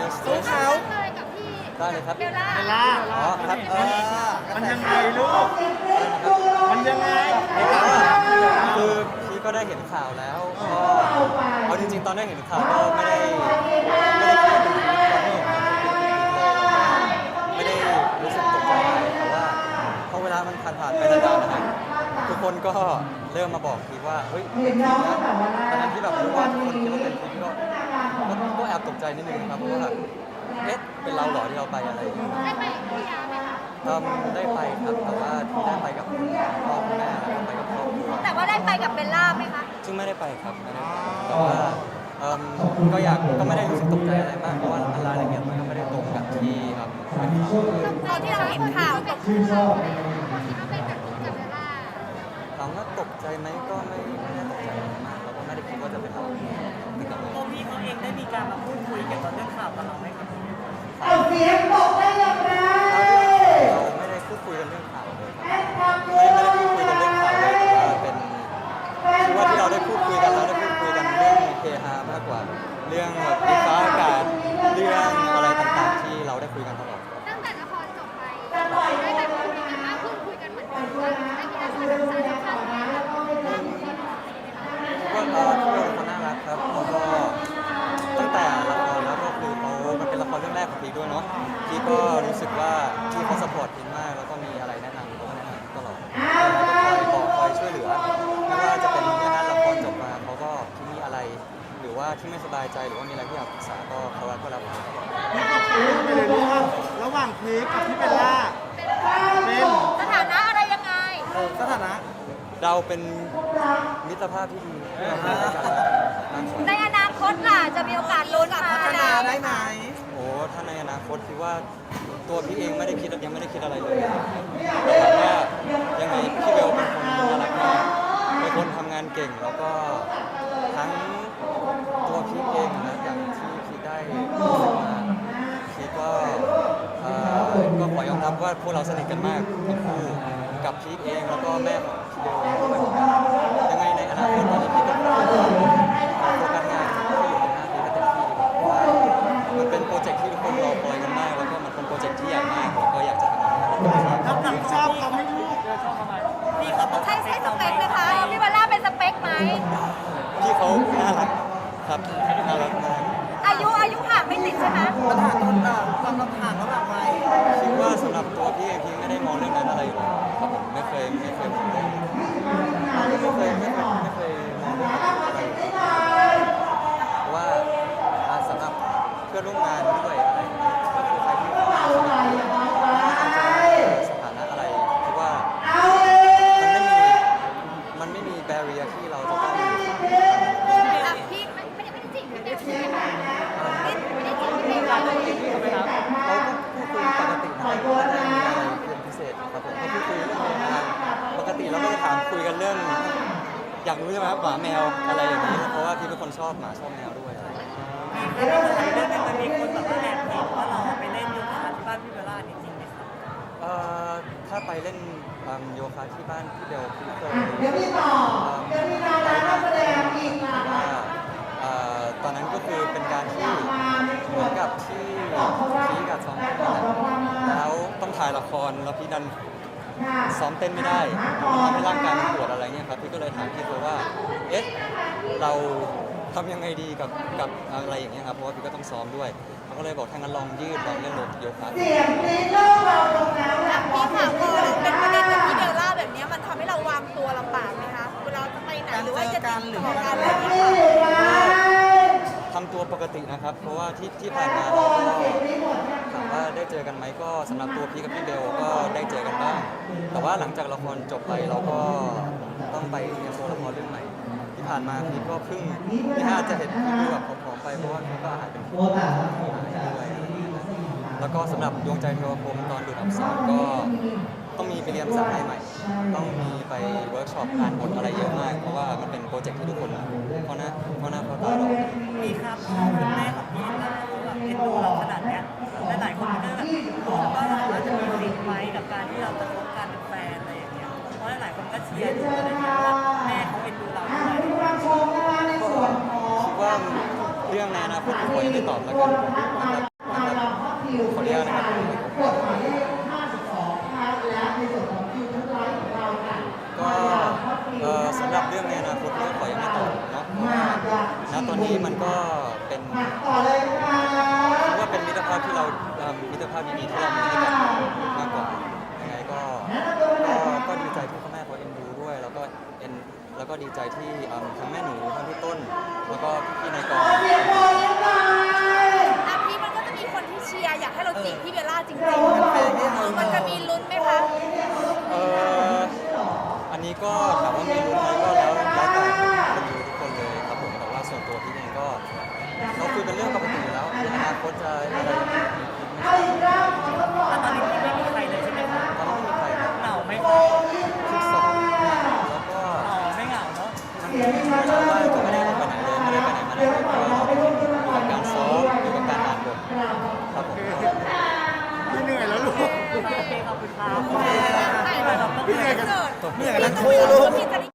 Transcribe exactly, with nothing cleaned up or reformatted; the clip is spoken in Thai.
สเตสู้สเขาเลยกับพี่ได้เลยครับเบลล่าเบลล่าอ๋อครับเออมันยังไงลูกอะไรนะครับมันยังไงคือพี่ก็ได้เห็นข่าวแล้วก็เอาจริงๆตอนได้เห็นข่าวก็ไม่ได้ไม่ได้คิดว่าเป็นพีคตอนที่เห็นข่าวเป็นพีคเลยไม่ได้รู้สึกตกใจอะไรแต่ว่าพอเวลามันผ่านผ่านไปนานๆนะครับทุกคนก็เริ่มมาบอกพีคว่าเฮ้ยเป็นพีคนะตอนนั้นที่แบบรู้ว่าทุกคนคิดว่าเป็นพีคก็ก็ก็แอบตกใจนิดนึงครับเพราะว่าแบบเอ๊ะเป็นเราเหรอที่เราไปอะไรอย่างเงี้ยได้ไปกับพี่ยาไหมคะเอิ่มได้ไปครับแต่ว่าที่ได้ไปกับคุณพ่อคุณแม่แล้วก็ไปกับครอบครัวแต่ว่าได้ไปกับเบลล่าไหมคะซึ่งไม่ได้ไปครับไม่ได้ไปแต่ว่าเอิ่มก็อยากก็ไม่ได้รู้สึกตกใจอะไรมากเพราะว่ารายละเอียดมันก็ไม่ได้ตรงกับที่ครับเป็นข่าวตอนที่เราเห็นข่าวตกใจที่เขาไปกับพี่กับเบลล่าถามว่าตกใจไหมก็ไม่ไม่ได้ตกใจอะไรมากเราก็ไม่ได้คิดว่าจะเป็นเราแต่กับตัวพี่เขาเองได้มีการมาพูดคุยเกี่ยวกับเรื่องข่าวกับเราไหมครับเอาเสียงตกได้อย่างไรเราไม่ได้พูดคุยกันเรื่องข่าวเลยครับไม่ไม่ได้พูดคุยกันเรื่องข่าวเลยแต่ว่าเป็นคือว่าที่เราได้พูดคุยกันเราได้พูดคุยกันเรื่องเฮฮามากกว่า เรื่องแบบดิฟ้าอากาศเรื่องอะไรต่างๆที่เราได้คุยกันตลอดครับตั้งแต่ละครจบไปได้แบบคุยกันมากขึ้นคุยกันเหมือนกันว่าได้มีการสื่อสารสำคัญมากก็เออพี่โดเป็นคนน่ารักครับแล้วก็ตั้งแต่ละครแล้วก็คือเขามันเป็นละครเรื่องแรกของพีคด้วยเนาะพี่ก็รู้สึกว่าพี่เขาสปอร์ตพีคมากแล้วก็มีอะไรแนะนำเขาก็แนะนำตลอดแล้วก็คอยบอกคอยช่วยเหลือไม่ว่าจะเป็นงานละครจบมาเขาก็ที่มีอะไร หรือว่าที่ไม่สบายใจหรือว่ามีอะไรที่อยากปรึกษาก็เขาก็รับฟังนี่ก็คือไปเลยลูกว่าระหว่างพีคกับพี่เบลล่าเป็นสถานะอะไรยังไงเออสถานะเราเป็นมิตรภาพที่ดีที่เราให้กันและกันมากกว่าในอนาคตล่ะจะมีโอกาสลุ้นมาพัฒนาได้ไหมโอ้ถ้าในอนาคตคิดว่าตัวพี่เองไม่ได้คิดยังไม่ได้คิดอะไรเลยแต่ถามว่ายังไงพี่เบลเป็นคนน่ารักมากเป็นคนทำงานเก่งแล้วก็ทั้งตัวพี่เองนะอย่างที่พี่ได้รู้สึกมาพี่ก็เอ่อก็ขอยอมรับว่าพวกเราสนิทกันมากทั้งคู่กับพี่เองแล้วก็แม่ของพี่เบลเองด้วยยังไงในอนาคตตอนนี้พี่ก็ขอโฟกัสงานที่อยู่ตรงหน้าพี่ให้เต็มที่ดีกว่าเพราะว่ามันเป็นโปรเจกต์ที่ทุกคนรอคอยกันมากแล้วก็มันเป็นโปรเจกต์ที่ใหญ่มากแล้วก็อยากจะทำมันให้ดีที่สุดน้ำหนักชอบเขาไม่ลูกพี่เขาต้องใช่ใช่สเปคไหมคะพี่เบลล่าเป็นสเปคไหมพี่เขาน่ารักครับน่ารักมากอายุอายุห่างไม่ติดใช่ไหมปัญหาต้นต่างความลำบากระหว่างวัยคิดว่าสำหรับตัวพี่เองพี่ไม่ได้มองเรื่องนั้นอะไรอยู่แล้วครับผมไม่เคยไม่เคยมองเรื่องไม่เคยไม่เคยไม่เคยมองเรื่องนั้นอะไรอยู่แล้วเพราะว่าอ่าสำหรับเพื่อนร่วมงานด้วยอะไรอย่างเงี้ยก็คือใครที่เข้ามาสมัครสถานะอะไรคิดว่ามันไม่มีมันไม่มีแบเรียที่เราจะต้องอ่ะพี่ไม่ไม่ได้ไม่ได้จีบกันเดียวใช่ไหมคะไม่ไม่ได้จีบพี่เบลล่าเลยเราก็พูดคุยปกตินะครับไม่ได้มีอะไรเป็นพิเศษครับผมก็พูดคุยเรื่องงานปกติเราก็จะถามคุยกันเรื่อง อยากรู้ใช่ไหมครับหมาแมวอะไรอย่างนี้เพราะว่าพี่เป็นคนชอบหมาชอบแมวด้วยอะไรอย่างเงี้ยพี่เขาบอกว่าเรื่องนึงมันมีคนแบบว่าแอบเห็นว่าเราไปเล่นโยคะที่บ้านพี่เบลล่านี่จริงไหมครับเอ่อถ้าไปเล่นอืมโยคะที่บ้านพี่เบลพี่เคยเดี๋ยวพี่ต่อเดี๋ยวพี่นารานักแสดงอีกนะว่าเอ่อตอนนั้นก็คือเป็นการที่เหมือนกับที่พี่กับซ้อมเต้นนั่นแหละแล้วต้องถ่ายละครแล้วพี่ดันซ้อมเต้นไม่ได้ทำให้ร่างกายมันปวดอะไรเงี้ยครับพี่ก็เลยถามพี่เขาว่าเอ๊ะเราทำยังไงดีกับกับอะไรอย่างเงี้ยครับเพราะว่าพี่ก็ต้องซ้อมด้วยเขาก็เลยบอกถ้างั้นลองยืดลองเล่นโยคะดูเสียงนี้เริ่มเบาลงแล้วนะพี่ค่ะพอเป็นประเด็นกับพี่เบลล่าแบบนี้มันทำให้เราวางตัวลำบากไหมคะเวลาจะไปไหนหรือว่าจะติดต่อกันอะไรอย่างเงี้ยค่ะทำตัวปกตินะครับ เพราะว่าที่ที่ผ่านมาเราก็ถามว่าได้เจอกันไหมก็สำหรับตัวพี่กับพี่เบลก็ได้เจอกันบ้าง แต่ว่าหลังจากละครจบไปเราก็ต้องไปเตรียมตัวละครเรื่องใหม่ ที่ผ่านมาพี่ก็เพิ่งพี่น่าจะเห็นพี่ดูแบบผอมๆไปเพราะว่าพี่ก็อาหารเป็นพิษด้วยแล้วก็สำหรับดวงใจเทวพรหมตอนดูดอับสรก็ต้องมีไปเรียนภาษาไทยใหม่ ต้องมีไปเวิร์กช็อปอ่านบทอะไรเยอะมาก เพราะว่ามันเป็นโปรเจกต์ที่ทุกคนเพราะหน้าเพราะหน้าเพราะตาเราพี่ครับพ่อคุณแม่ของพี่นะแบบเอ็นดูเราขนาดเนี้ยและหลายคนก็แบบมองว่าเราอาจจะมีสิทธิ์ไหมกับการที่เราจะคบกันเป็นแฟนอะไรอย่างเงี้ยเพราะหลายคนก็เชียร์อยู่อะไรอย่างเงี้ยว่าแม่เขาเอ็นดูเราด้วยรับชมนะคะในส่วนของคิดว่าเรื่องในอนาคตผมขอยังไม่ตอบแล้วกันนะครับดีใจที่เอิ่มทั้งแม่หนูทั้งพี่ต้น แล้วก็พี่ๆในกองอ่ะพี่มันก็จะมีคนที่เชียร์อยากให้เราจีบพี่เบลล่าจริงๆคือมันจะมีลุ้นไหมคะเอออันนี้ก็ถามว่ามีลุ้นไหมก็แล้วแล้วแต่คนดูทุกคนเลยครับผมแต่ว่าส่วนตัวพี่เองก็เราคุยเป็นเรื่องปกติอยู่แล้วในอนาคตจะอะไรยังไงแต่ตอนนี้พี่ไม่มีใครเลยใช่ไหมคะตอนนี้ไม่มีใครครับเหงาไหมคะทุกสองแล้วก็อ๋อไม่เหงาเนาะมันเวลาว่างก็ไม่ได้ออกไปไหนเลยไม่ได้ไปไหนมาไหนเลยก็อยู่กับการซ้อมอยู่กับการอ่านบทครับผมพี่เหนื่อยแล้วลูกโอเคขอบคุณครับถ่ายแบบพี่เหนื่อยกันเกิดเหนื่อยกันทั้งคู่ลูกพี่จะได้